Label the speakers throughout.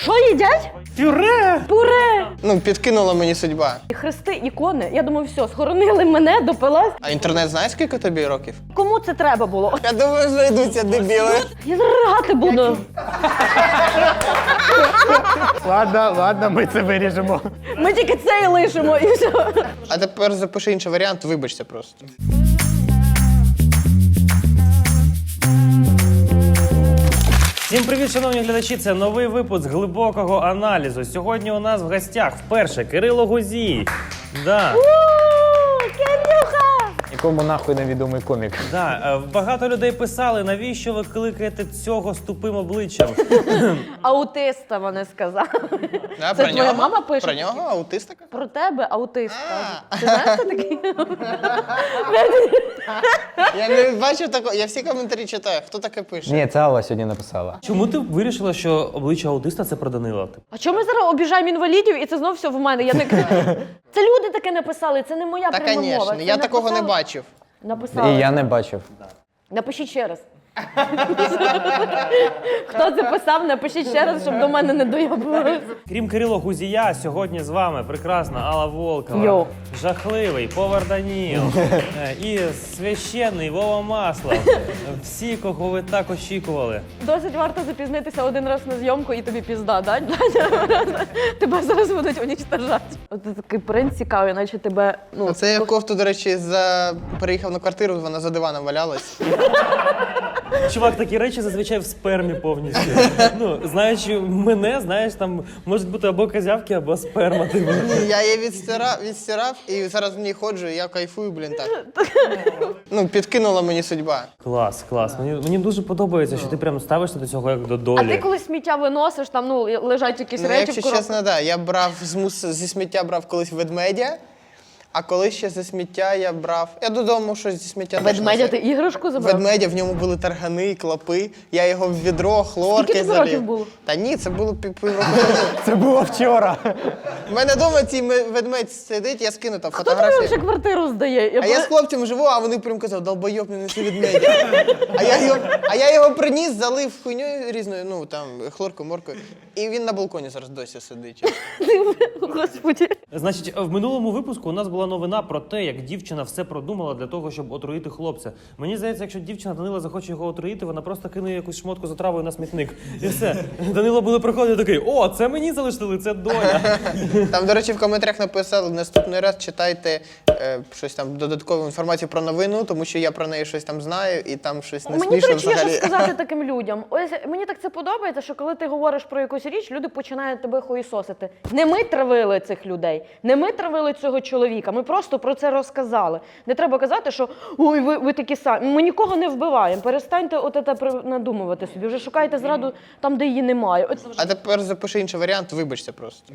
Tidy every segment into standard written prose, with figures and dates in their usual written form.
Speaker 1: Що їдять?
Speaker 2: Пюре!
Speaker 1: Пюре!
Speaker 3: Ну, підкинула мені судьба.
Speaker 1: Хрести, ікони. Я думаю, все, схоронили мене, допилась.
Speaker 3: А інтернет знаєш, скільки тобі років?
Speaker 1: Кому це треба було?
Speaker 3: Я думаю, знайдуться дебіли.
Speaker 1: Я заригати буду.
Speaker 2: Ладно, ми це виріжемо.
Speaker 1: Ми тільки це і лишимо, і все.
Speaker 3: А тепер запиши інший варіант, вибачте просто.
Speaker 2: Всім привіт, шановні глядачі! Це новий випуск глибокого аналізу. Сьогодні у нас в гостях вперше Кирило Гузій. Да.
Speaker 1: Кирюха!
Speaker 4: Якому нахуй невідомий комік.
Speaker 2: Да. Багато людей писали, навіщо ви кликаєте цього з тупим обличчям?
Speaker 1: Аутиста вони сказали.
Speaker 3: Да,
Speaker 1: Це твоя мама пише?
Speaker 3: Про нього аутиста?
Speaker 1: Про тебе аутист. Ти знаєш, хто такий?
Speaker 3: Я не бачив такого, я всі коментарі читаю. Хто таке пише?
Speaker 4: Ні, це Алла сьогодні написала.
Speaker 2: Чому ти вирішила, що обличчя аутиста – це про Данила?
Speaker 1: А чому ми зараз обіжаємо інвалідів і це знов все в мене? Я не... Це люди таке написали, це не моя
Speaker 3: Та,
Speaker 1: пряма мова.
Speaker 3: звісно, я такого не бачив.
Speaker 1: Написали.
Speaker 4: І я не бачив.
Speaker 1: Напишіть ще раз. Хто це писав, напишіть ще раз, щоб до мене не доєбувалися.
Speaker 2: Крім Кирило Гузія, сьогодні з вами прекрасна Алла Волкова,
Speaker 1: Йоу.
Speaker 2: жахливий Повар Даніл і священний Вова Маслов. Всі, кого ви так очікували.
Speaker 1: Досить варто запізнитися один раз на зйомку і тобі пізда, да? Тебе зараз будуть унічтожати. От такий принц цікавий, наче тебе... Ну,
Speaker 3: Оце я кофту, до речі, переїхав на квартиру, вона за диваном валялась.
Speaker 2: Чувак, такі речі зазвичай в спермі повністю. Ну, знаючи мене, знаєш, там можуть бути або козявки, або сперма. Типу.
Speaker 3: Ні, я її відстирав і зараз в ній ходжу, і я кайфую, блін, так. Ну, підкинула мені судьба.
Speaker 2: Клас, клас. Мені дуже подобається, що ти прям ставишся до цього як до
Speaker 1: А
Speaker 2: долі.
Speaker 1: ти коли сміття виносиш, там, ну, лежать якісь
Speaker 3: Ну,
Speaker 1: речі в
Speaker 3: якщо
Speaker 1: коробці.
Speaker 3: чесно, да. Я брав зі сміття брав колись ведмедя, а коли ще зі сміття я брав... Я додому щось зі сміття теж
Speaker 1: Ведмедя
Speaker 3: носив.
Speaker 1: ти іграшку забрав?
Speaker 3: Ведмедя, в ньому були таргани, клопи, я його в відро, хлорки
Speaker 1: Скільки тобі
Speaker 3: залив.
Speaker 1: років було?
Speaker 3: Та ні, це було півроку.
Speaker 4: Це було вчора.
Speaker 3: У мене вдома цей ведмедь сидить, я скину там
Speaker 1: Хто тобі
Speaker 3: фотографії.
Speaker 1: вже квартиру здає?
Speaker 3: А я з хлопцем живу, а вони прям казали, долбойоб, не неси ведмедя. А я його приніс, залив хуйньою різною, ну там, хлоркою, моркою. І він на балконі зараз досі сидить.
Speaker 1: Господи.
Speaker 2: Значить, в минулому випуску у нас була новина про те, як дівчина все продумала для того, щоб отруїти хлопця. Мені здається, якщо дівчина Данила захоче його отруїти, вона просто кине якусь шмотку з отравою на смітник. І все. Данило буде приходити такий: о, це мені залишили, це доля.
Speaker 3: Там, до речі, в коментарях написали, наступний раз читайте щось там, додаткову інформацію про новину, тому що я про неї щось там знаю, і там щось не
Speaker 1: Мені,
Speaker 3: смішно
Speaker 1: до речі, є що
Speaker 3: взагалі.
Speaker 1: сказати таким людям. Ось мені так це подобається, що коли ти говориш про якусь річ, люди починають тебе хуїсосити. Не ми травили цих людей, не ми травили цього чоловіка, ми просто про це розказали. Не треба казати, що ой, ви такі самі. Ми нікого не вбиваємо, перестаньте от це надумувати собі, вже шукайте зраду там, де її немає.
Speaker 3: А тепер запиши інший варіант, вибачте просто.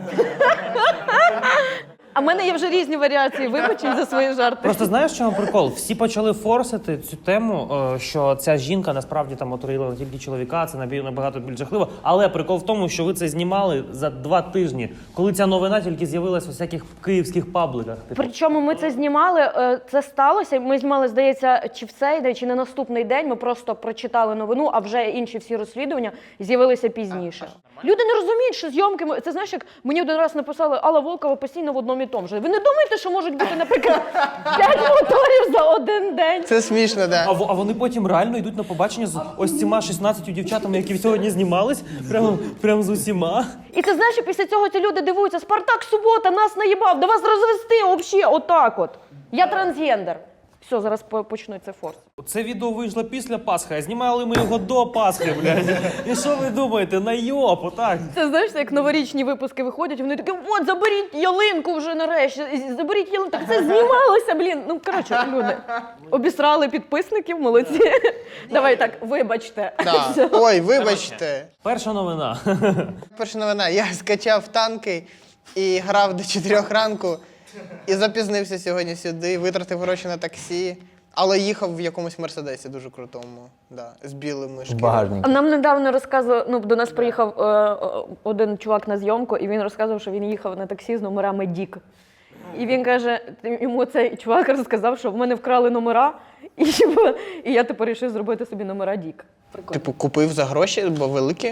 Speaker 1: А в мене є вже різні варіації вибачень за свої жарти.
Speaker 2: Просто знаєш, в чому прикол? Всі почали форсити цю тему, що ця жінка насправді там отруїла не тільки чоловіка, це набагато більш жахливо. Але прикол в тому, що ви це знімали за 2 тижні, коли ця новина тільки з'явилась у всяких київських пабликах.
Speaker 1: Причому ми це знімали, це сталося, ми знімали, здається, чи в цей день, чи на наступний день, ми просто прочитали новину, а вже інші всі розслідування з'явилися пізніше. Люди не розуміють, що зйомки, це знаєш, як мені один раз написали, Алла Волкова постійно в одному і тому же. Ви не думаєте, що можуть бути, наприклад, 5 моторів за один день?
Speaker 3: Це смішно, да.
Speaker 2: А вони потім реально йдуть на побачення з ось цими 16 дівчатами, які сьогодні знімались, прям з усіма.
Speaker 1: І ти знаєш, що після цього ці люди дивуються, Спартак Субота нас наїбав, да вас розвести взагалі отак от. Я трансгендер. Все, зараз почнеться форс.
Speaker 2: Це відео вийшло після Пасхи, а знімали ми його до Пасхи, блядь. І що ви думаєте? Найоб, отак.
Speaker 1: Це знаєш, як новорічні випуски виходять, вони такі, от, заберіть ялинку вже нарешті, заберіть ялинку. Так це знімалося, блін. Ну, коротше, люди. Обісрали підписників, молодці. Давай так, вибачте.
Speaker 3: Да. Ой, вибачте.
Speaker 2: Перша новина.
Speaker 3: Перша новина. Я скачав танки і грав до 4 ранку. І запізнився сьогодні сюди, витратив гроші на таксі, але їхав в якомусь Мерседесі дуже крутому, да, з білими шкірами.
Speaker 4: Багажник.
Speaker 1: Нам недавно розказував, до нас приїхав один чувак на зйомку, і він розказував, що він їхав на таксі з номерами Дік. І він каже, йому цей чувак розказав, що в мене вкрали номера, і я тепер вирішив зробити собі номера Дік. Прикольно.
Speaker 3: Типу, купив за гроші, бо великі?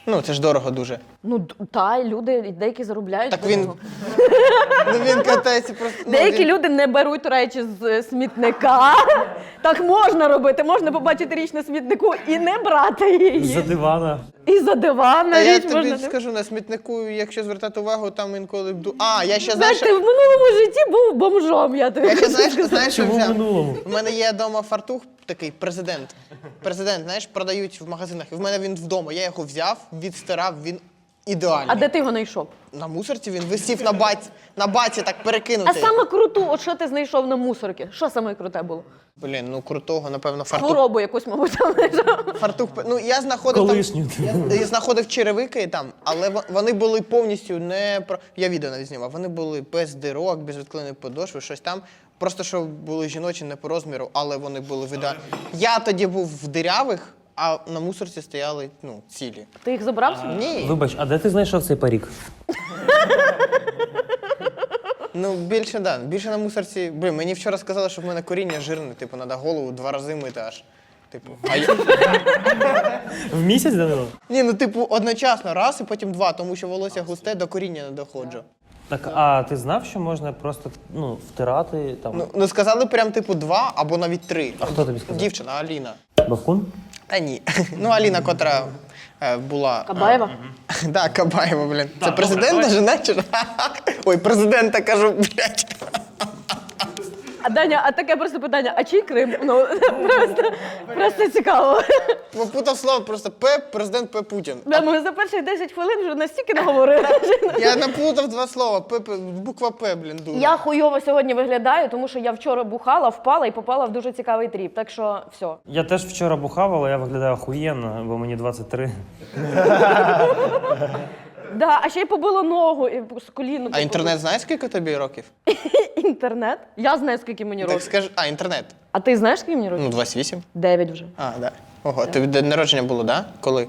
Speaker 3: Ну, це ж дорого дуже.
Speaker 1: Ну, та, люди деякі заробляють.
Speaker 3: Так
Speaker 1: з
Speaker 3: він,
Speaker 1: цього.
Speaker 3: ну, він катається просто. Ну,
Speaker 1: Деякі
Speaker 3: він...
Speaker 1: люди не беруть речі з смітника. Так можна робити, можна побачити річ на смітнику і не брати її.
Speaker 2: За дивана.
Speaker 1: І за диван
Speaker 3: Та
Speaker 1: на
Speaker 3: я
Speaker 1: річ
Speaker 3: тобі
Speaker 1: можна.
Speaker 3: скажу, на смітнику, якщо звертати увагу, там інколи... я ще, знаєш,
Speaker 1: Знаєш, ти в минулому житті був бомжом, я тобі
Speaker 3: я ще,
Speaker 1: хочу
Speaker 3: знаєш, що
Speaker 2: Чому в
Speaker 3: взяв?
Speaker 2: минулому?
Speaker 3: У мене є вдома фартух такий, президент. Президент, знаєш, продають в магазинах. І в мене він вдома. Я його взяв, відстирав, він ідеальний.
Speaker 1: А де ти його знайшов?
Speaker 3: На мусорці він висів на баці так
Speaker 1: А
Speaker 3: перекинутий.
Speaker 1: саме круту, от що ти знайшов на мусорці? Що саме круте було?
Speaker 3: Блін, ну крутого, напевно, фартух.
Speaker 1: Хворобу якусь, мабуть, там знайшов.
Speaker 3: Фартух. Ну, я знаходив
Speaker 2: Колишню.
Speaker 3: Я знаходив черевики там, але вони були повністю не про. Я відео навіть знімав. Вони були без дирок, без відклеєної подошви, щось там. Просто що були жіночі не по розміру, але вони були в ідеалі. Я тоді був в дирявих, а на мусорці стояли цілі.
Speaker 1: Ти їх забрав собі?
Speaker 3: Ні.
Speaker 2: Вибач, а де ти знайшов цей парік?
Speaker 3: Ну, більше на мусорці. Блін, мені вчора сказали, що в мене коріння жирне, типу, треба голову 2 рази мити аж. Типу,
Speaker 2: В місяць, Данило?
Speaker 3: Ні, ну типу, одночасно раз і потім 2, тому що волосся густе, до коріння не доходжу.
Speaker 2: Так, а ти знав, що можна просто втирати там?
Speaker 3: Ну сказали прям типу 2 або навіть 3.
Speaker 2: А хто тобі сказав?
Speaker 3: Дівчина, Аліна.
Speaker 2: Бавкун?
Speaker 3: Та ні. Ну, Аліна, котра була.
Speaker 1: Кабаєва?
Speaker 3: Так, Кабаєва, блін. Це президент жена чи? Ой, президента кажу, блядь.
Speaker 1: А Даня, а таке просто питання, а чий Крим? Ну, просто цікаво.
Speaker 3: Попутав слово просто президент П. Путін.
Speaker 1: Да, ми за перших 10 хвилин вже настільки наговорили.
Speaker 3: Я наплутав 2 слова. Буква П, блін, дуже.
Speaker 1: Я хуйово сьогодні виглядаю, тому що я вчора бухала, впала і попала в дуже цікавий тріп. Так що все.
Speaker 2: Я теж вчора бухав, але я виглядаю охуєнно, бо мені 23.
Speaker 1: Да, а ще й побило ногу і з коліну.
Speaker 3: А інтернет знає, скільки тобі років?
Speaker 1: Інтернет? Я знаю, скільки мені
Speaker 3: Так
Speaker 1: років.
Speaker 3: скажи, інтернет.
Speaker 1: А ти знаєш, скільки мені років?
Speaker 3: Ну, 28.
Speaker 1: 9 вже.
Speaker 3: А, да. Ого, тобі день народження було, да? Коли?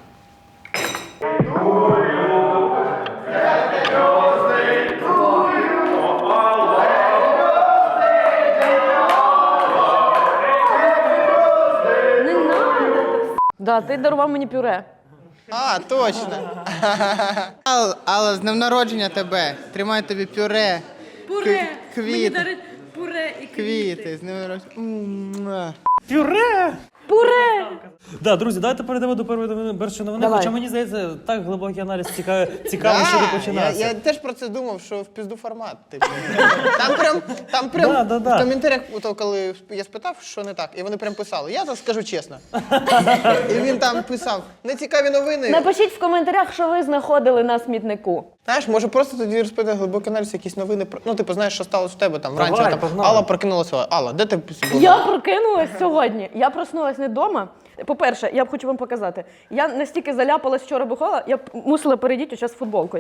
Speaker 1: Не надо. Да, ти дарував мені пюре.
Speaker 3: А, точно. Алла, з днем народження тебе. Тримай тобі пюре.
Speaker 1: Пюре!
Speaker 3: Квіти.
Speaker 1: пюре і
Speaker 3: Квіти, з днем народження.
Speaker 2: Пюре!
Speaker 1: Пюре!
Speaker 2: Да, друзі, давайте перейдемо до першої новини.
Speaker 1: Давай.
Speaker 2: Хоча мені здається, так глибокий аналіз цікаво, що не починався.
Speaker 3: Я теж про це думав, що в пізду формат. Типу. Там прям
Speaker 2: Да.
Speaker 3: в коментарях, коли я спитав, що не так, і вони прям писали, я так скажу чесно. І він там писав, нецікаві новини.
Speaker 1: Напишіть в коментарях, що ви знаходили на смітнику.
Speaker 3: Знаєш, може просто тоді розпитати глибокий аналіз, якісь новини. Ну, типу, знаєш, що сталося в тебе там
Speaker 2: Давай,
Speaker 3: вранці. Там,
Speaker 2: погнали.
Speaker 3: Алла прокинулася. Алла, де ти була?
Speaker 1: Я прокинулась сьогодні. Я проснулась не вдома. По-перше, я хочу вам показати. Я настільки заляпалась вчора бухала, я мусила перейдіти зараз футболку.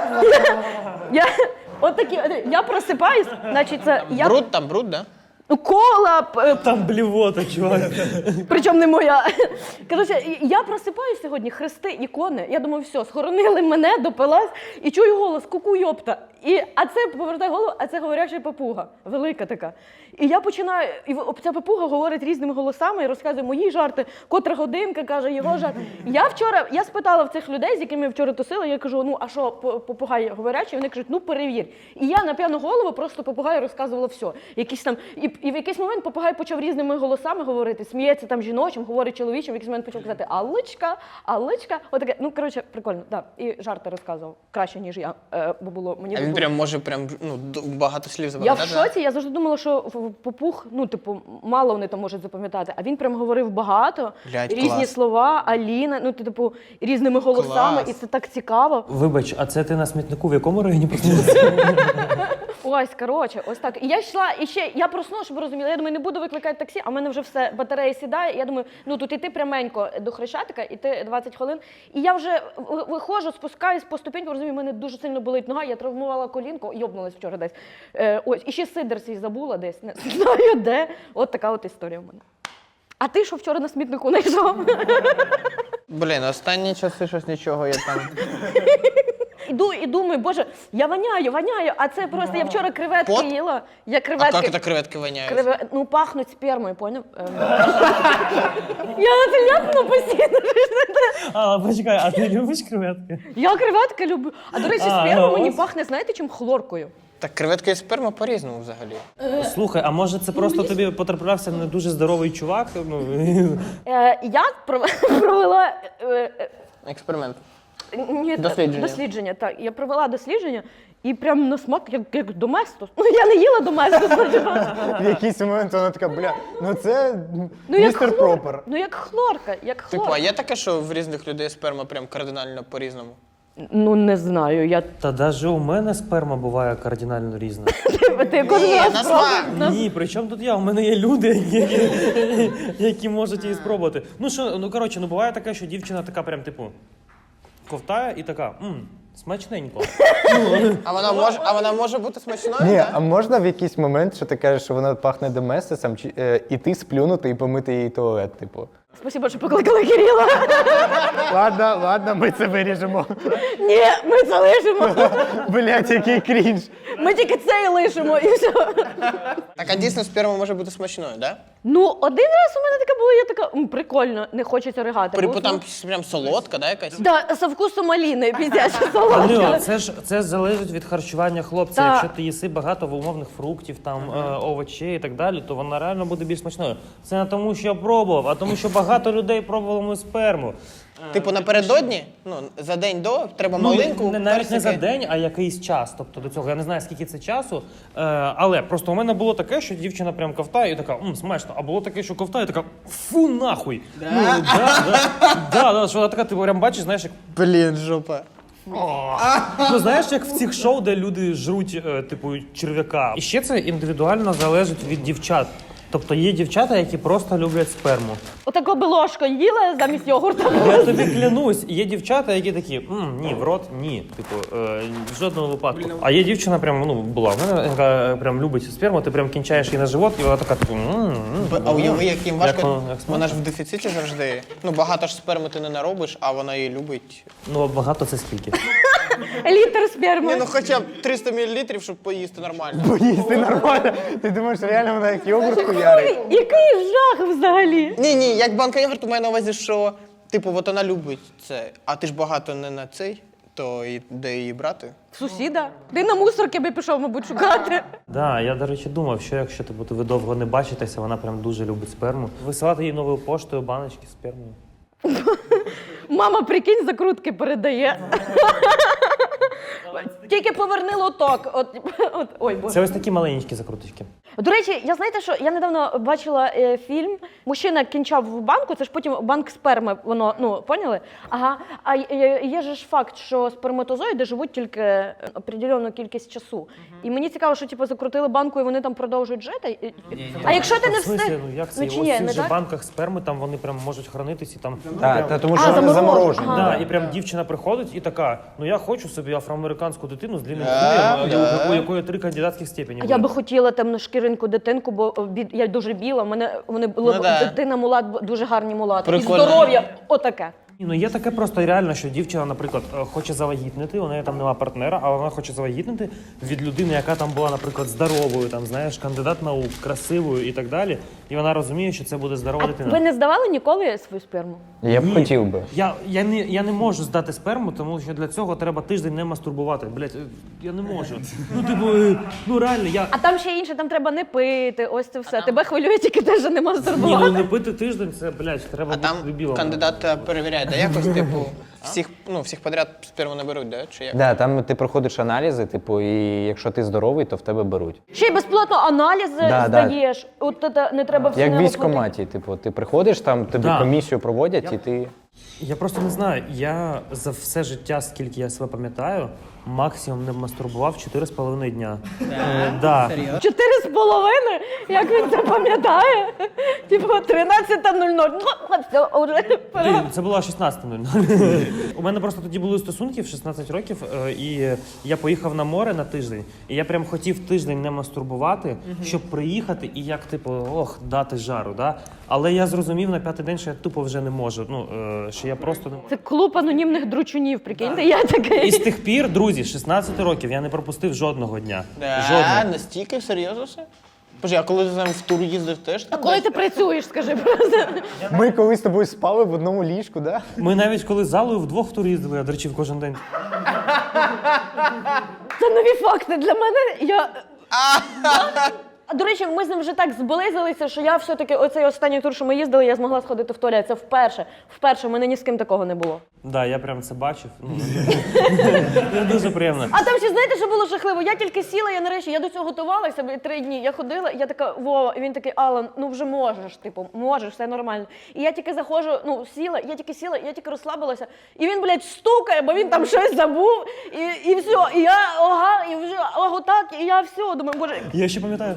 Speaker 1: Я просипаюсь, значить це я
Speaker 3: Бруд, да?
Speaker 1: кола,
Speaker 2: Там блівота, чувак.
Speaker 1: причому не моя. Коротше, я просипаюсь сьогодні, хрести, ікони. Я думаю, все, схоронили мене, допилась, і чую голос, ку-ку, йопта. А це повертає голову, а це говоряча папуга, велика така. І я починаю, і ця папуга говорить різними голосами і розказує мої жарти, котра годинка, каже, його жарт. Я спитала в цих людей, з якими я вчора тусила, я кажу, ну, а що, попугай говорячий? Вони кажуть, ну, перевір. І я на п'яну голову просто попугаю розказувала все. Якісь там, і в якийсь момент попугай почав різними голосами говорити, сміється там жіночим, говорить чоловічим, в якийсь момент почав казати Аллочка, Аллочка. Отаке, ну, коротше, прикольно, так. Да. І жарти розказував краще, ніж я, бо було мені.
Speaker 3: А він прям може багато слів
Speaker 1: Я
Speaker 3: забагато.
Speaker 1: в шоці, я завжди думала, що попуг, ну, типу, мало вони там можуть запам'ятати, а він прям говорив багато,
Speaker 3: Блядь,
Speaker 1: різні
Speaker 3: клас.
Speaker 1: слова, Аліна, ну, типу, різними голосами,
Speaker 3: Клас.
Speaker 1: і це так цікаво.
Speaker 2: Вибач, а це ти на смітнику в якому районі проснулася?
Speaker 1: Ось, коротше, ось так. І я йшла, і ще, я проснула, щоб ви розуміли, я думаю, не буду викликати таксі, а в мене вже все, батарея сідає, і я думаю, ну, тут іти пряменько до Хрещатика, іти 20 хвилин, і я вже виходжу, спускаюсь по ступеньку, розумію, в мене дуже сильно болить нога, я травмувала колінку, йобнулась вчора десь. Ось, і ще сидр свій забула десь, не знаю де. От така от історія в мене. А ти що вчора на смітнику знайшов?
Speaker 3: Блін, останні часи щось нічого я там.
Speaker 1: Іду і думаю, боже, я воняю, а це просто, я вчора креветки
Speaker 3: Пот?
Speaker 1: їла. Я
Speaker 3: А
Speaker 1: креветки...
Speaker 3: як це креветки воняють?
Speaker 1: Ну, пахнуть спермою, поняв? Я це ляпну постійно.
Speaker 2: А, почекай, а ти любиш креветки?
Speaker 1: Я креветки люблю. А, до речі,
Speaker 2: А,
Speaker 1: сперма
Speaker 2: ну,
Speaker 1: мені
Speaker 2: ось.
Speaker 1: пахне, знаєте, чим? Хлоркою.
Speaker 3: Так креветка і сперма по-різному взагалі.
Speaker 2: Слухай, а може це просто тобі потраплявся не дуже здоровий чувак? Ну,
Speaker 1: Я провела...
Speaker 3: Експеримент.
Speaker 1: Ні,
Speaker 3: Дослідження.
Speaker 1: дослідження, так. Я провела дослідження і прям на смак, як доместос. Ну, я не їла доместос.
Speaker 4: В якийсь момент вона така, бля, ну це
Speaker 1: Ну, як
Speaker 4: містер Пропер.
Speaker 1: Ну, як хлорка, як
Speaker 3: Типу,
Speaker 1: хлорка.
Speaker 3: а є таке, що в різних людей сперма прям кардинально по-різному?
Speaker 1: Ну, не знаю, я...
Speaker 2: та навіть у мене сперма буває кардинально різна.
Speaker 1: Ти кожен
Speaker 3: Ні,
Speaker 1: раз
Speaker 3: на
Speaker 1: пробуєш.
Speaker 3: смак.
Speaker 2: Ні, при чому тут я? У мене є люди, які можуть її спробувати. Ну що, ну коротше, ну буває таке, що дівчина така прям, типу, ковтає і така, смачненько.
Speaker 3: А вона може бути смачною?
Speaker 4: Ні,
Speaker 3: да?
Speaker 4: а можна в якийсь момент, що ти кажеш, що вона пахне доместосом, іти сплюнути і помити її туалет, типу.
Speaker 1: Спасибо, що покликали Кирила.
Speaker 4: Ладно, ми це виріжемо.
Speaker 1: Ні, ми це лишимо.
Speaker 4: Блять, який крінж.
Speaker 1: Ми тільки це і лишимо, і все.
Speaker 3: Так, а дійсно сперма може бути смачною, да?
Speaker 1: Ну, один раз у мене таке було, я така, прикольно, не хочеться ригати.
Speaker 3: Припу там прям солодка, да, якась?
Speaker 1: Да, со вкусом маліни, піздяча
Speaker 2: Данило,
Speaker 1: солодка.
Speaker 2: це залежить від харчування хлопця.
Speaker 1: Та.
Speaker 2: Якщо ти їси багато умовних фруктів, там овочей і так далі, то вона реально буде більш смачною. Це не тому, що я пробував, а тому, що багато людей пробували мою сперму.
Speaker 3: Типу напередодні, ну, за день до, треба маленьку,
Speaker 2: навіть не за
Speaker 3: персики.
Speaker 2: день, а якийсь час. Тобто до цього я не знаю, скільки це часу. Але просто у мене було таке, що дівчина прям ковтає і така, смачно. А було таке, що ковтає і така, фу, нахуй. Да, що вона така, ти прям бачиш, знаєш, як
Speaker 3: Блін, жопа.
Speaker 2: ну знаєш, як в цих шоу, де люди жруть, типу, черв'яка. І ще це індивідуально залежить від дівчат. Тобто є дівчата, які просто люблять сперму.
Speaker 1: Отако би ложко їла замість йогурта.
Speaker 2: Я тобі клянусь, є дівчата, які такі, ні, в рот, ні. Типу, в жодному випадку. А є дівчина, прям, була в мене, яка прям любить сперму, ти прям кінчаєш її на живот, і вона така, типу,
Speaker 3: А уяви, як їм важко.
Speaker 2: як
Speaker 3: Вона ж в дефіциті завжди. Ну, багато ж сперми ти не наробиш, а вона її любить.
Speaker 2: Ну, багато це скільки?
Speaker 1: Літр сперми.
Speaker 3: Ні, ну хоча б 300 мл, щоб поїсти нормально.
Speaker 4: Поїсти нормально. Ти думаєш, реально вона як йогурт хуярить?
Speaker 1: Який жах взагалі.
Speaker 3: Ні, як банка йогурту має на увазі, що, типу, от вона любить це, а ти ж багато не на цей, то і де її брати?
Speaker 1: Сусіда. Ти на мусорки би пішов, мабуть, шукати.
Speaker 2: Да, я, до речі, думав, що якщо типу, ви довго не бачитеся, вона прям дуже любить сперму. Висилати їй новою поштою баночки з спермою.
Speaker 1: Мама, прикинь, закрутки передає. Тільки поверни лоток. Ой, боже.
Speaker 2: Це ось такі маленькі закруточки.
Speaker 1: До речі, я знаєте, що я недавно бачила фільм. Мужчина кінчав в банку, це ж потім банк сперми, воно, поняли? Ага. А є же ж факт, що сперматозоїди живуть тільки определену кількість часу. І мені цікаво, що типу закрутили банку і вони там продовжують жити. А якщо ти не
Speaker 2: В смислі,
Speaker 1: встиг?
Speaker 2: як це?
Speaker 1: Ну, чи
Speaker 2: Ось
Speaker 1: ні,
Speaker 2: в цих
Speaker 1: не
Speaker 2: же
Speaker 1: так?
Speaker 2: банках сперми, там вони прям можуть хранитись і там...
Speaker 4: Так, тому
Speaker 1: А,
Speaker 4: що вони
Speaker 1: заморожені.
Speaker 4: заморожені.
Speaker 1: Ага.
Speaker 2: Да, і прям дівчина приходить і така, я хочу собі афроамериканську дитину з длинним
Speaker 3: Да,
Speaker 2: хуєм,
Speaker 3: да.
Speaker 2: у якої 3 кандидатських степені.
Speaker 1: А я би хотіла темношкіринку дитинку, бо я дуже біла. Вони були
Speaker 3: Ну, да.
Speaker 1: дитина мулат, дуже гарні мулати.
Speaker 3: Прикольно.
Speaker 1: І здоров'я, отаке.
Speaker 2: Ну, є таке просто реально, що дівчина, наприклад, хоче завагітнити, у неї там нема партнера, але вона хоче завагітнити від людини, яка там була, наприклад, здоровою, там, знаєш, кандидат наук, красивою і так далі. І вона розуміє, що це буде здорова
Speaker 1: А
Speaker 2: дитина.
Speaker 1: ви не здавали ніколи свою сперму?
Speaker 4: Я б
Speaker 2: Ні.
Speaker 4: хотів би.
Speaker 2: Я не можу здати сперму, тому що для цього треба тиждень не мастурбувати. Блять, я не можу. Ну реально, я.
Speaker 1: А там ще інше, там треба не пити, ось це все. Тебе хвилює тільки те, що нема
Speaker 2: Ні,
Speaker 1: здоров'я.
Speaker 2: не пити тиждень, це, блядь, треба
Speaker 3: А
Speaker 2: бути
Speaker 3: там
Speaker 2: дебілом.
Speaker 3: кандидат перевіряє, да якось, типу, всіх подряд сперму не беруть, да? Чи як?
Speaker 4: Да, там ти проходиш аналізи, типу, і якщо ти здоровий, то в тебе беруть.
Speaker 1: Ще й безплатно аналізи
Speaker 4: Да,
Speaker 1: здаєш. От це не треба все
Speaker 4: Як в
Speaker 1: не
Speaker 4: військкоматі, типу, ти приходиш, там тобі
Speaker 2: Да.
Speaker 4: комісію проводять, і ти.
Speaker 2: Я просто не знаю. Я за все життя, скільки я себе пам'ятаю, максимум не мастурбував 4,5 дня. Да.
Speaker 1: 4,5? Як він це пам'ятає? Типу 13:00. Все, вже.
Speaker 2: Блін, це було 16:00. У мене просто тоді були стосунки в 16 років, і я поїхав на море на тиждень. І я прям хотів тиждень не мастурбувати, щоб приїхати і як, типу, дати жару. Да? Але я зрозумів на 5-й день, що я тупо вже не можу. Що я просто не можу.
Speaker 1: Це клуб анонімних дручунів, прикиньте, я такий.
Speaker 2: І з тих пір, друзі, 16 років я не пропустив жодного дня. Жодного.
Speaker 3: Настільки серйозно все? Боже, а коли ти там в тур їздив теж?
Speaker 1: А коли ти працюєш, скажи просто.
Speaker 4: Ми колись з тобою спали в одному ліжку, да?
Speaker 2: Ми навіть коли з залою вдвох в тур їздили, я дрочив кожен день.
Speaker 1: Це нові факти для мене. До речі, ми з ним вже так зблизилися, що я все-таки оцей останній тур, що ми їздили, я змогла сходити в туалет. Це вперше. Вперше, в мене ні з ким такого не було.
Speaker 2: Да, я прям це бачив. Це дуже приємно.
Speaker 1: А там ще знаєте, що було жахливо? Я тільки сіла, я нарешті, я до цього готувалася 3 дні. Я ходила, я така, Вова, і він такий, Алан, ну вже можеш, типу, можеш, все нормально. І я тільки заходжу, сіла, я тільки розслабилася. І він, блядь, стукає, бо він там щось забув. І все, і я, і вже, так, і я все, думаю, боже.
Speaker 2: Я ще пам'ятаю.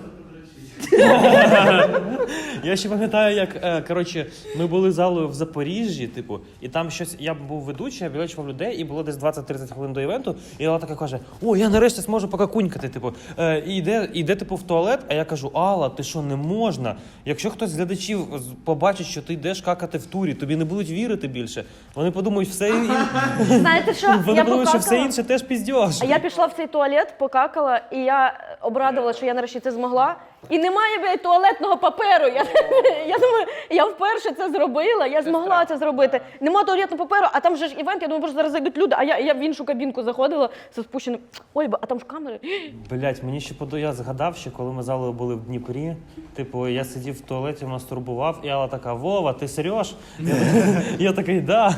Speaker 2: Я ще пам'ятаю, як коротше, ми були залою в Запоріжжі, типу, і там щось. Я був ведучий, я білечував людей, і було десь 20-30 хвилин до івенту. І Алла така каже: о, я нарешті зможу покакунькати. Типу, і йде типу в туалет. А я кажу: Алла, ти що, не можна? Якщо хтось з глядачів побачить, що ти йдеш какати в турі, тобі не будуть вірити більше. Вони подумають,
Speaker 1: Знаєте що?
Speaker 2: Вони
Speaker 1: Я
Speaker 2: подумають, що все
Speaker 1: покакала.
Speaker 2: інше теж піздьош.
Speaker 1: А я пішла в цей туалет, покакала, і я обрадувала, що я нарешті це змогла. І немає, блядь, туалетного паперу. Я думаю, я вперше це зробила, я змогла це зробити. Нема туалетного паперу, а там же ж івент, я думаю, боже, зараз зайдуть люди, а я в іншу кабінку заходила зі спущеним. Ой, а там ж камери.
Speaker 2: Блять, мені ще я згадав, що коли ми залою були в Дніпрі, типу, я сидів в туалеті, мастурбував, і Алла така: Вова, ти серйош? Я такий, да.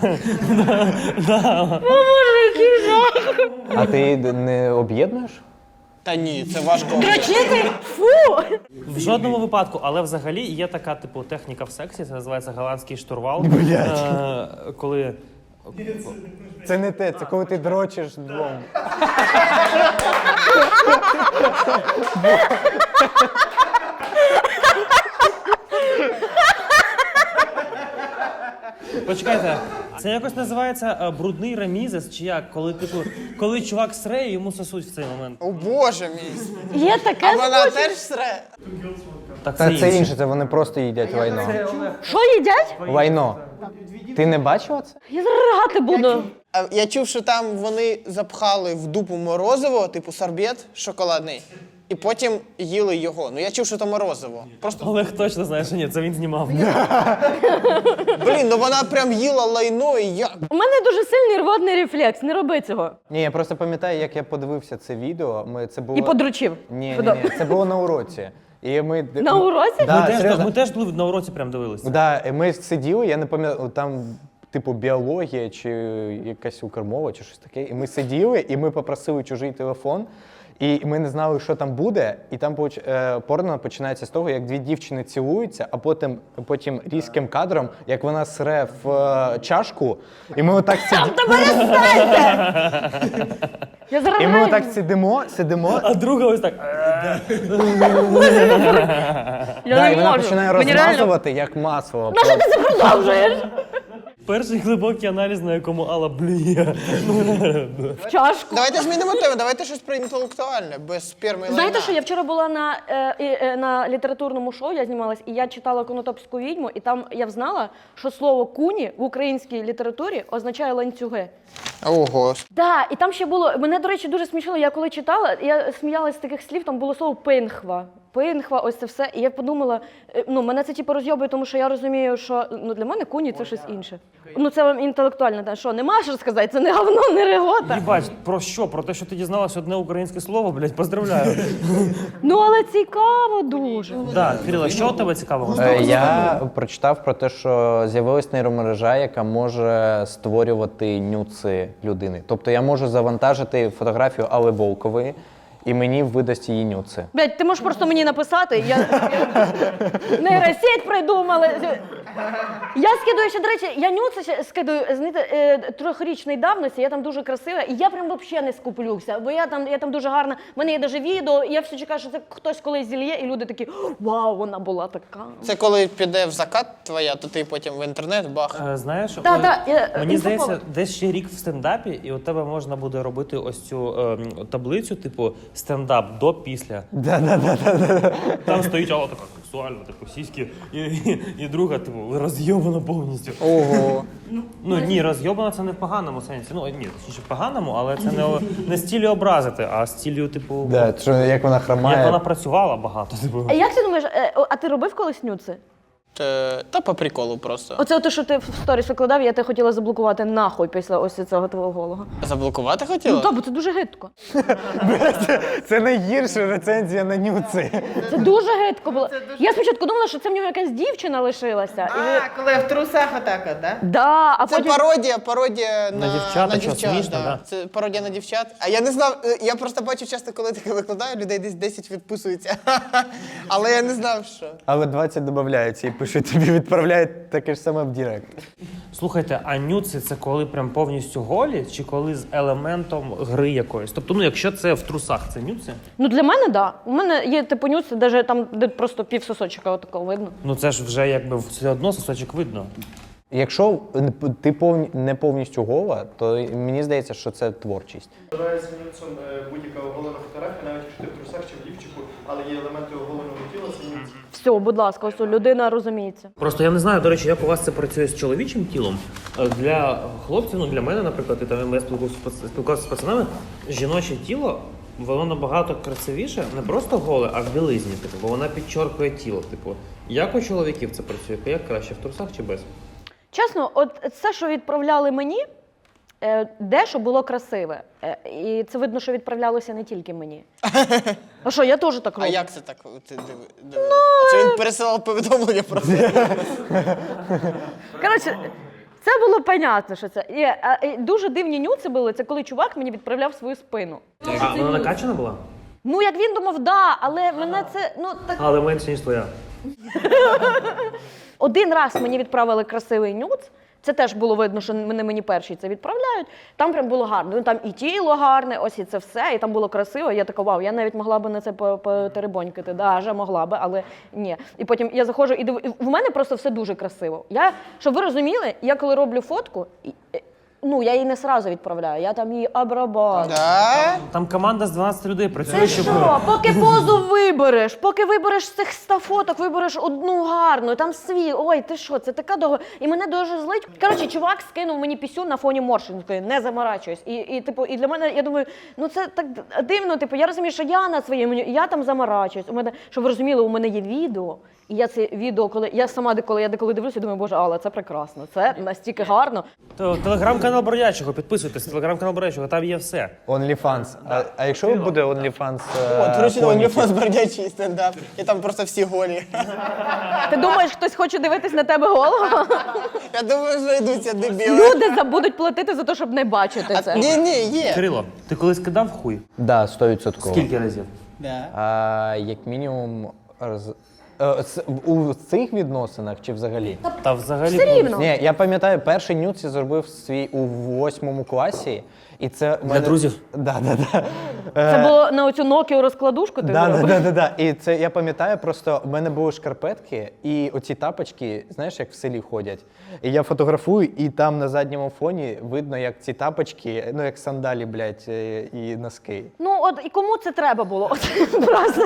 Speaker 4: А ти не об'єднуєш?
Speaker 3: Та ні, це важко.
Speaker 1: Дрочити? Фу!
Speaker 2: В жодному випадку, але взагалі є така, типу, техніка в сексі, це називається голландський штурвал. Коли
Speaker 4: Це не те, це коли ти дрочиш двом.
Speaker 2: Почекайте, це якось називається брудний ремізес, чи як? Коли чувак сре, йому сосуть в цей момент.
Speaker 3: О боже мій.
Speaker 1: Є таке.
Speaker 3: А вона теж сре.
Speaker 2: Так,
Speaker 4: Це інше, це вони просто їдять лайно.
Speaker 1: Що їдять?
Speaker 4: Лайно. Ти не бачила це?
Speaker 1: Я заригати буду.
Speaker 3: А я чув, що там вони запхали в дупу морозиво, типу сорбет шоколадний, і потім їли його. Ну я чув, що це морозиво. Просто,
Speaker 2: Олег точно знає, що ні, це він знімав.
Speaker 3: блін, ну вона прям їла лайно, і я...
Speaker 1: У мене дуже сильний рвотний рефлекс, не роби цього.
Speaker 4: Ні, я просто пам'ятаю, як я подивився це відео. Це було...
Speaker 1: І подручив.
Speaker 4: Ні, це було на уроці. І ми...
Speaker 1: На уроці?
Speaker 4: Да, серйозно.
Speaker 2: Ми теж були на уроці, прям дивилися.
Speaker 4: Да, і ми сиділи, я не пам'ятаю, там типу біологія чи якась укрмова, чи щось таке. І ми сиділи, і ми попросили чужий телефон, і ми не знали, що там буде. І там порно починається з того, як дві дівчини цілуються, а потім різким кадром, як вона сре в чашку, і ми отак сидимо.
Speaker 1: Я зараз
Speaker 4: І ми отак сидимо.
Speaker 2: А друга ось так.
Speaker 4: Да, і вона починає розмазувати, як масло.
Speaker 1: Нащо ти це продовжуєш?
Speaker 2: Перший глибокий аналіз, на якому Алла блює.
Speaker 1: В чашку.
Speaker 3: Давайте змінимо тему, давайте щось про інтелектуальне, без сперми і лайна.
Speaker 1: Знаєте, що я вчора була на літературному шоу, я знімалась, і я читала «Конотопську відьму», і там я взнала, що слово «куні» в українській літературі означає ланцюги.
Speaker 3: Ого.
Speaker 1: Да, і там ще було, мене, до речі, дуже смішило, я коли читала, я сміялась з таких слів, там було слово «пинхва». Пинхва, ось це все. І я подумала, мене це типу розйобує, тому що я розумію, що для мене куні це щось інше. Це вам інтелектуально, та що, нема що сказати, це не говно, не регота.
Speaker 2: Їбать, про що? Про те, що ти дізналась одне українське слово, блядь, поздравляю.
Speaker 1: Але цікаво дуже.
Speaker 2: Так, Кирило, що у тебе цікавого?
Speaker 4: Я прочитав про те, що з'явилась нейромережа, яка може створювати нюци людини. Тобто я можу завантажити фотографію Алли Волкової, і мені видасть її нюци.
Speaker 1: Блядь, ти можеш просто мені написати, нейросеть придумали. Я скидаю ще, до речі, я нюци ще скидаю, знаєте, 3-річної давності, я там дуже красива, і я прям взагалі не скуплюся, бо я там дуже гарна, в мене є навіть відео, і я все чекаю, що це хтось колись зільє, і люди такі, вау, вона була така.
Speaker 3: Це коли піде в закат твоя, то ти потім в інтернет бах.
Speaker 2: Знаєш, мені здається, десь ще рік в стендапі, і у тебе можна буде робити ось цю таблицю, типу стендап до-після. Там стоїть Алла така сексуальна, типу сіськи, і друга, типу, роз'єбана повністю.
Speaker 3: Ого.
Speaker 2: Ну ні, роз'єбана це не в поганому сенсі. Ну ні, точніше в поганому, але це не з ціллю образити, а з ціллю, типу,
Speaker 4: Да, що, як вона хромає.
Speaker 2: як вона працювала багато. Типу.
Speaker 1: А як ти думаєш, а ти робив колись нюци?
Speaker 3: Та по приколу просто.
Speaker 1: Оце те, що ти в сторіс викладав, я тебе хотіла заблокувати нахуй після ось цього твого голого.
Speaker 3: Заблокувати хотіла?
Speaker 1: Ну так, бо це дуже гидко.
Speaker 4: Це найгірша рецензія на нюци.
Speaker 1: Це дуже гидко було. Я спочатку думала, що це в нього якась дівчина лишилася.
Speaker 3: Коли в трусах отак, так?
Speaker 1: Да, а
Speaker 3: Це
Speaker 1: потім...
Speaker 3: пародія
Speaker 2: На дівчат, що смішно, да.
Speaker 3: Це пародія на дівчат. А я не знав, я просто бачу часто, коли таке викладаю, людей десь 10 відписується. Але я не знав, що.
Speaker 4: Але 20 додається і пишуть, тобі відправляють таке ж саме в Директ.
Speaker 2: Слухайте, а нюци це коли прям повністю голі, чи коли з елементом гри якоїсь? Тобто, ну якщо це в трусах, це нюци?
Speaker 1: Ну для мене, да. У мене є типу нюци, навіть там, де просто пів сосочка отакого видно.
Speaker 2: Ну це ж вже якби все одно сосочок видно.
Speaker 4: Якщо ти не повністю гола, то мені здається, що це творчість.
Speaker 5: Вважається нюцом будь-яка оголена фотографія, навіть якщо ти в трусах чи в лівчику, але є елементи оголеного тіла, це нюц.
Speaker 1: Все, будь ласка, ось людина розуміється.
Speaker 2: Просто я не знаю, до речі, як у вас це працює з чоловічим тілом. Для хлопців, ну для мене, наприклад, і там я спілкувався з пацанами, жіноче тіло, воно набагато красивіше, не просто голе, а в білизні, типу, бо вона підчоркує тіло. Типу, як у чоловіків це працює? Як краще, в трусах чи без?
Speaker 1: Чесно, от це, що відправляли мені, дещо було красиве. І це видно, що відправлялося не тільки мені. А що, я теж так роблю.
Speaker 3: А як це так? Ти дивилась? Чи він пересилав повідомлення просто?
Speaker 1: Коротше, це було понятно, що це. І дуже дивні нюци були, це коли чувак мені відправляв свою спину.
Speaker 2: А вона накачана була?
Speaker 1: Ну, як він думав, да, але мене це, ну, так...
Speaker 2: Але менше, ніж твоя.
Speaker 1: Один раз мені відправили красивий нюц, це теж було видно, що вони мені перші це відправляють. Там прям було гарно. Ну, там і тіло гарне, ось і це все, і там було красиво. Я така, вау, я навіть могла би на це потеребонькати. Да, вже могла би, але ні. І потім я заходжу і в мене просто все дуже красиво. Щоб ви розуміли, я коли роблю фотку, ну, я її не сразу відправляю, я там її обрабатую.
Speaker 3: Да?
Speaker 2: Там команда з 12 людей працює,
Speaker 1: Це
Speaker 2: щоб...
Speaker 1: що? Поки позу вибереш, поки вибереш з цих 100 фоток, вибереш одну гарну, там свій. Ой, ти що, це така довго. І мене дуже злить. Коротше, чувак скинув мені пісю на фоні морщинки, не заморачуюсь. І для мене, я думаю, ну це так дивно, типу, я розумію, що я на своєму, я там заморачуюсь. Щоб ви розуміли, у мене є відео. І я це відео, коли я деколи дивлюся, думаю, боже, Алла, це прекрасно, це настільки гарно.
Speaker 2: Телеграм-канал Бродячого, підписуйтесь, телеграм-канал Бродячого, там є все.
Speaker 4: OnlyFans. А якщо буде OnlyFans
Speaker 3: До речі, на
Speaker 4: коміків?
Speaker 3: OnlyFans бродячий стендап. І там просто всі голі.
Speaker 1: Ти думаєш, хтось хоче дивитись на тебе голого?
Speaker 3: Я думаю, знайдуться дебіли.
Speaker 1: Люди будуть платити за те, щоб не бачити це.
Speaker 3: Ні, є.
Speaker 2: Кирило, ти колись кидав хуй?
Speaker 4: Да, 100%.
Speaker 2: Скільки разів?
Speaker 4: Як мінімум у цих відносинах чи взагалі?
Speaker 2: Та взагалі...
Speaker 1: Все рівно.
Speaker 4: Ні, я пам'ятаю, перший нюц я зробив свій у 8 класі. І це
Speaker 2: Для друзів?
Speaker 4: Да.
Speaker 1: Це було на оцю Nokia розкладушку ти зробив?
Speaker 4: Да. І це я пам'ятаю, просто в мене були шкарпетки і оці тапочки, знаєш, як в селі ходять. І я фотографую, і там на задньому фоні видно, як ці тапочки, ну як сандалі, блядь, і носки.
Speaker 1: Ну, от і кому це треба було? От, просто.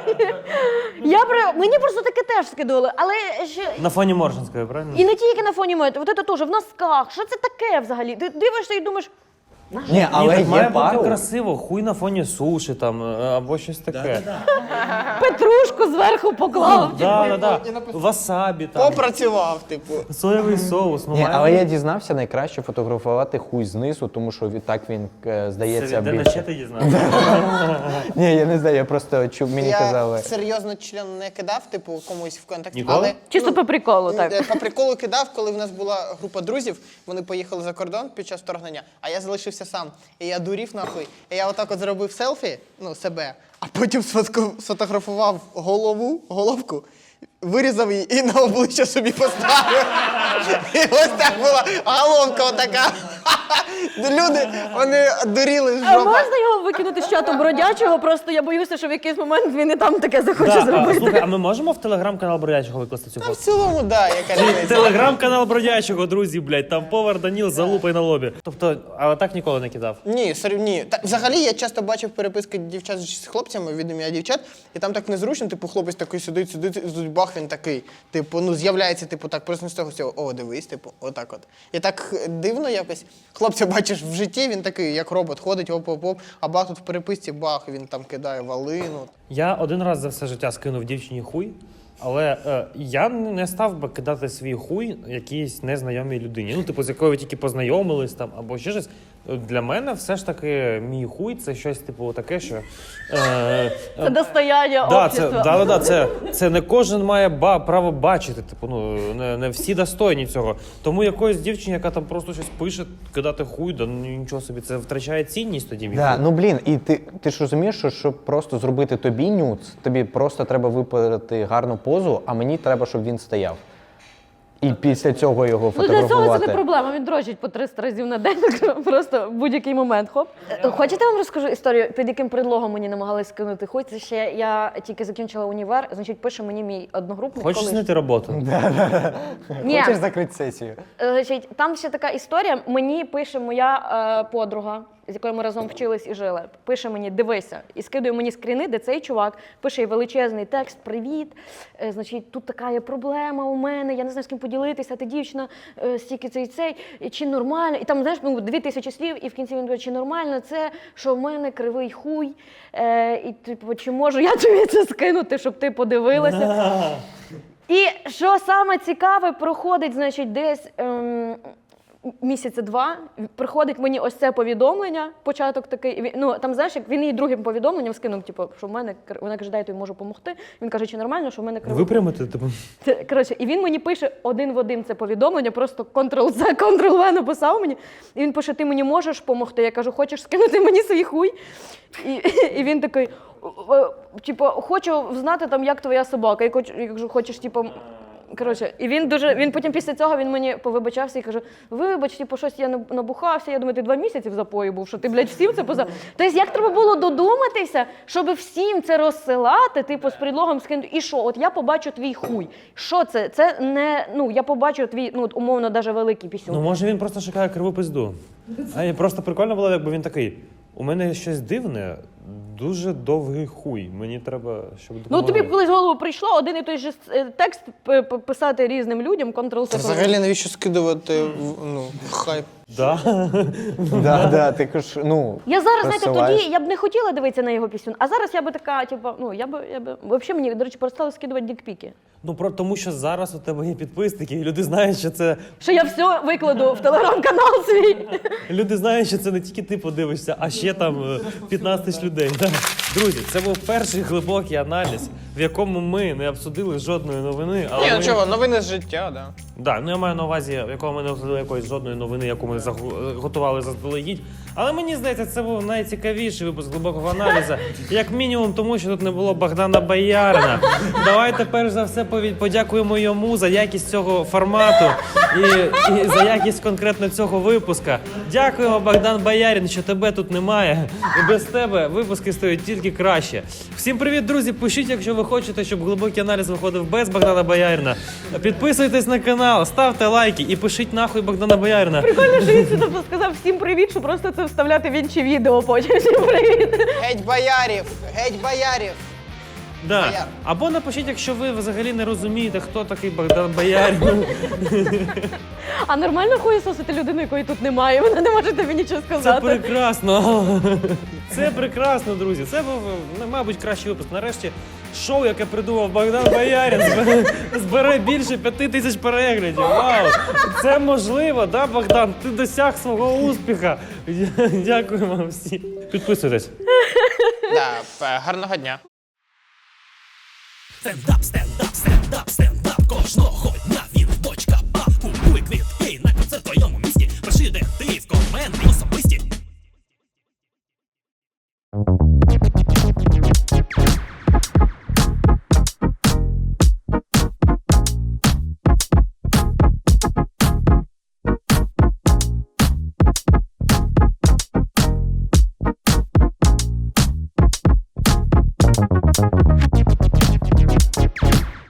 Speaker 1: Мені просто таке теж скидували, але ще...
Speaker 2: На фоні Моршинської, правильно?
Speaker 1: І не тільки на фоні моєї, от це теж, в носках. Що це таке взагалі? Ти дивишся і думаєш,
Speaker 4: Ні, але
Speaker 2: так має
Speaker 4: є
Speaker 2: бути
Speaker 4: пару.
Speaker 2: красиво, хуй на фоні суші там, або щось таке.
Speaker 1: петрушку зверху поклав.
Speaker 2: Да. Васабі там,
Speaker 3: Попрацював, типу.
Speaker 2: соєвий соус. Ну,
Speaker 4: Ні,
Speaker 2: має
Speaker 4: але
Speaker 2: бути.
Speaker 4: я дізнався, найкраще фотографувати хуй знизу, тому що так він здається
Speaker 2: Де на
Speaker 4: більше.
Speaker 2: ще ти дізнався?
Speaker 4: Ні, я не знаю, я просто чув, мені
Speaker 3: Я
Speaker 4: казали.
Speaker 3: серйозно член не кидав, типу, комусь в контакті.
Speaker 2: Ніколи?
Speaker 3: Але,
Speaker 1: Чисто по приколу, так.
Speaker 3: По приколу кидав, коли в нас була група друзів, вони поїхали за кордон під час вторгнення, а я залишився сам. І я дурів нахуй. І я отак от зробив селфі, ну, себе, а потім сфотографував головку, вирізав її і на обличчя собі поставив. І ось так була головка отака. Люди, вони дуріли з
Speaker 1: А
Speaker 3: жопа.
Speaker 1: можна його викинути з чату бродячого? Просто я боюся, що в якийсь момент він і там таке захоче
Speaker 2: Да,
Speaker 1: зробити.
Speaker 2: слухай, а ми можемо в телеграм-канал Бродячого викласти цю
Speaker 3: Та
Speaker 2: фото?
Speaker 3: в цілому, да, яка різниця.
Speaker 2: Телеграм-канал Бродячого, друзі, блядь, там повар Даніл за лупою на лобі. Тобто, але так ніколи не кидав.
Speaker 3: Ні, ні. Взагалі я часто бачив переписки дівчат з хлопцями від ім'я дівчат, і там так незручно, типу, хлопець такий сидить, і бах, він такий, типу, ну з'являється, типу, так, просто з того всього, о, дивись, типу, отак от. І так дивно якось. Хлопця бачиш в житті, він такий, як робот, ходить, оп-оп-оп, а бах тут в переписці, бах, він там кидає валину.
Speaker 2: Я один раз за все життя скинув дівчині хуй, але я не став би кидати свій хуй якійсь незнайомій людині. Ну, типу, з якою ви тільки познайомились там, або ще щось. Для мене все ж таки мій хуй це щось, типу, таке, що.
Speaker 1: Це достояння
Speaker 2: Да,
Speaker 1: общества.
Speaker 2: це не кожен має право бачити. Типу, ну не всі достойні цього. Тому якоїсь дівчині, яка там просто щось пише, кидати хуй, да ну нічого собі, це втрачає цінність тоді. мій
Speaker 4: Да,
Speaker 2: хуй.
Speaker 4: ну блін, і ти ж розумієш, що щоб просто зробити тобі нюц, тобі просто треба виправити гарну позу, а мені треба, щоб він стояв. І після цього його
Speaker 1: Ну, для цього
Speaker 4: фотографувати.
Speaker 1: це не проблема. Він дрочить по 300 разів на день, просто в будь-який момент. Хоп. Хочете, я вам розкажу історію, під яким предлогом мені намагалися скинути хуй? Це ще я тільки закінчила універ, значить, пише мені мій одногрупник.
Speaker 2: Хочеш
Speaker 1: колишній.
Speaker 2: знайти роботу?
Speaker 1: Ні.
Speaker 4: Хочеш закрити сесію?
Speaker 1: Значить, там ще така історія. Мені пише моя подруга, з якою ми разом вчились і жили. Пише мені, дивися, і скидує мені скріни, де цей чувак пише їй величезний текст: привіт. Значить, тут така є проблема у мене, я не знаю, з ким поділитися, ти дівчина, стільки цей, і чи нормально. І там, знаєш, 2000 слів, і в кінці він каже, чи нормально це, що в мене кривий хуй, і типу, чи можу я тобі це скинути, щоб ти подивилася. І що саме цікаве, проходить, значить, десь місяця 2, приходить мені ось це повідомлення, початок такий, ну там, знаєш, як він їй другим повідомленням скинув, типу, що в мене, вона каже, дай я тобі можу допомогти. Він каже, чи нормально, що в мене кривий.
Speaker 2: Випрямити, типу.
Speaker 1: Коротше, і він мені пише один в один це повідомлення, просто Ctrl-C, Ctrl-V написав мені, і він пише, ти мені можеш допомогти? Я кажу, хочеш скинути мені свій хуй? І він такий, типу, хочу знати, там, як твоя собака. Я кажу, хочеш, типу, коротше, і він потім після цього він мені повибачався і каже, вибач, типу, щось я набухався, я думаю, ти 2 місяці в запої був, що ти, блядь, всім це поза. Тобто, як треба було додуматися, щоб всім це розсилати, типу, з предлогом скинути, і що, от я побачу твій хуй. Що це? Це не, ну, я побачу твій, ну, умовно, навіть великий пісюн.
Speaker 2: Ну, може він просто шукає криву пизду. А і просто прикольно було, якби він такий, у мене щось дивне, дуже довгий хуй, мені треба, щоб
Speaker 1: Ну,
Speaker 2: допомогли.
Speaker 1: тобі колись в голову прийшло один і той же текст писати різним людям, Ctrl-C.
Speaker 3: Та взагалі навіщо скидувати, ну, хайп?
Speaker 2: Да.
Speaker 4: Да, ти кажеш, ну.
Speaker 1: Я зараз, знаєте,
Speaker 4: розсилаєш.
Speaker 1: тоді я б не хотіла дивитися на його пісню, а зараз я би така, типу, ну, я би, взагалі мені, до речі, перестали скидувати дікпіки.
Speaker 2: Ну, тому що зараз у тебе є підписники, і люди знають, що це...
Speaker 1: Що я все викладу в телеграм-канал свій.
Speaker 2: Люди знають, що це не тільки ти подивишся, а ще там 15 тисяч людей. Да. Друзі, це був перший глибокий аналіз, в якому ми не обсудили жодної новини. Але
Speaker 3: Ні, ну
Speaker 2: ми...
Speaker 3: чого, новини з життя, да.
Speaker 2: Да, ну я маю на увазі, в якому ми не обсудили якоїсь жодної новини, яку ми готували заздалегідь. Але мені здається, це був найцікавіший випуск глибокого аналізу. Як мінімум, тому що тут не було Богдана Боярина. Давайте перш за все подякуємо йому за якість цього формату і за якість конкретно цього випуска. Дякуємо, Богдан Боярин, що тебе тут немає. І без тебе випуски стають тільки краще. Всім привіт, друзі! Пишіть, якщо ви хочете, щоб глибокий аналіз виходив без Богдана Боярина. Підписуйтесь на канал, ставте лайки і пишіть нахуй Богдана Боярина.
Speaker 1: Прикольно, що він сюди сказав всім привіт, що просто це вставляти в інші відео потім. Всім привіт.
Speaker 3: Геть боярів, геть боярів.
Speaker 2: Да.
Speaker 3: Бояр.
Speaker 2: Або напишіть, якщо ви взагалі не розумієте, хто такий Богдан Боярин.
Speaker 1: А нормально хуєсосити людину, якої тут немає? Вона не може тобі нічого
Speaker 2: Це
Speaker 1: сказати.
Speaker 2: прекрасно. Це прекрасно, друзі. Це був, мабуть, кращий випуск. Нарешті шоу, яке придумав Богдан Боярин, збере більше 5000 переглядів. Вау! Це можливо, да, Богдан? Ти досяг свого успіху. Дякую вам всім. Підписуйтесь.
Speaker 3: Да, гарного дня.
Speaker 6: Стендап, стендап, стендап, стендап кожного дня.